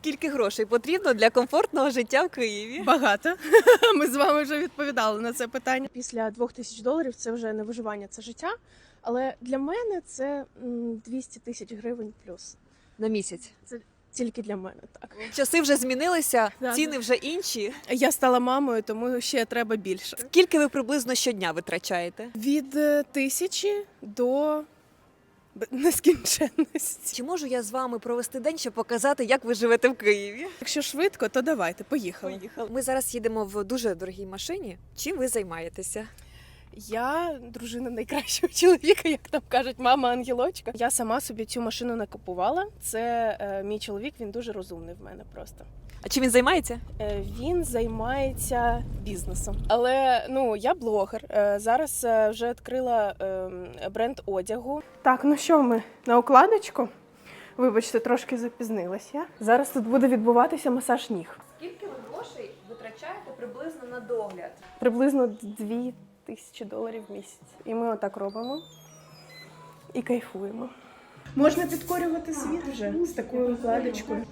Скільки грошей потрібно для комфортного життя в Києві? Багато. Ми з вами вже відповідали на це питання. Після $2000 це вже не виживання, це життя. Але для мене це 200 тисяч гривень плюс. На місяць. Це тільки для мене, так. Часи вже змінилися, Да, ціни вже інші. Я стала мамою, тому ще треба більше. Скільки ви приблизно щодня витрачаєте? Від 1000 до нескінченності. Чи можу я з вами провести день, щоб показати, як ви живете в Києві? Якщо швидко, то давайте, поїхали. Ми зараз їдемо в дуже дорогій машині. Чим ви займаєтеся? Я дружина найкращого чоловіка, як там кажуть, мама-ангелочка. Я сама собі цю машину не купувала. Це мій чоловік, він дуже розумний в мене просто. А чим він займається? Він займається бізнесом. Але я блогер. Зараз вже відкрила бренд одягу. Так, ну що ми на укладочку? Вибачте, трошки запізнилась я. Зараз тут буде відбуватися масаж ніг. Скільки ви грошей витрачаєте приблизно на догляд? Приблизно $2000 в місяць. І ми отак робимо і кайфуємо. Можна підкорювати світ вже з такою укладочкою.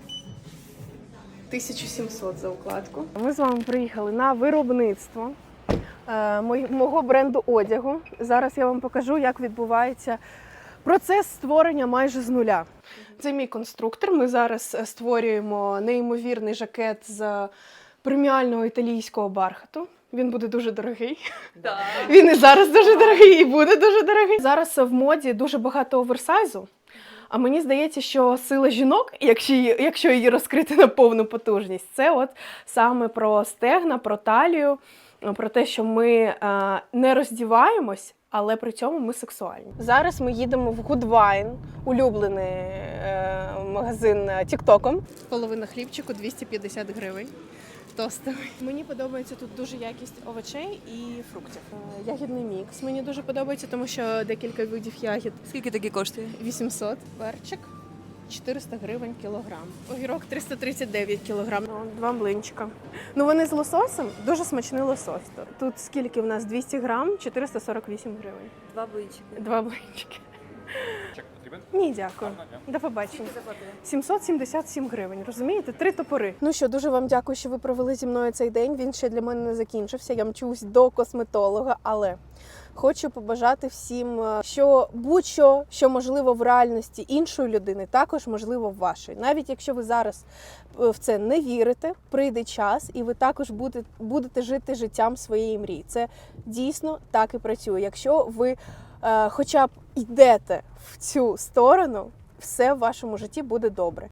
1700 за укладку. Ми з вами приїхали на виробництво мого бренду одягу. Зараз я вам покажу, як відбувається процес створення майже з нуля. Це мій конструктор. Ми зараз створюємо неймовірний жакет з преміального італійського бархату. Він буде дуже дорогий. Так. Він і зараз дуже дорогий, і буде дуже дорогий. Зараз в моді дуже багато оверсайзу. А мені здається, що сила жінок, якщо її розкрити на повну потужність, це от саме про стегна, про талію, про те, що ми не роздіваємось, але при цьому ми сексуальні. Зараз ми їдемо в Goodwine, улюблений магазин тіктоком. Половина хлібчику 250 гривень. Тостовий. Мені подобається тут дуже якість овочей і фруктів. Ягідний мікс мені дуже подобається, тому що декілька видів ягід. Скільки такі коштує? 800. Перчик 400 гривень кілограм. Огірок 339 кілограм. Два млинчика. Вони з лососем, дуже смачний лосось. Тут скільки в нас? 200 грам, 448 гривень. Два блинчики. Два млинчики. Чек потрібен? Ні, дякую. До побачення. Заплатили? 777 гривень, розумієте? 3 топори. Ну що, дуже вам дякую, що ви провели зі мною цей день. Він ще для мене не закінчився. Я мчусь до косметолога, але хочу побажати всім, що будь-що, що можливо в реальності іншої людини, також можливо в вашій. Навіть якщо ви зараз в це не вірите, прийде час, і ви також будете жити життям своєї мрії. Це дійсно так і працює. Якщо ви хоча б йдете в цю сторону, все в вашому житті буде добре.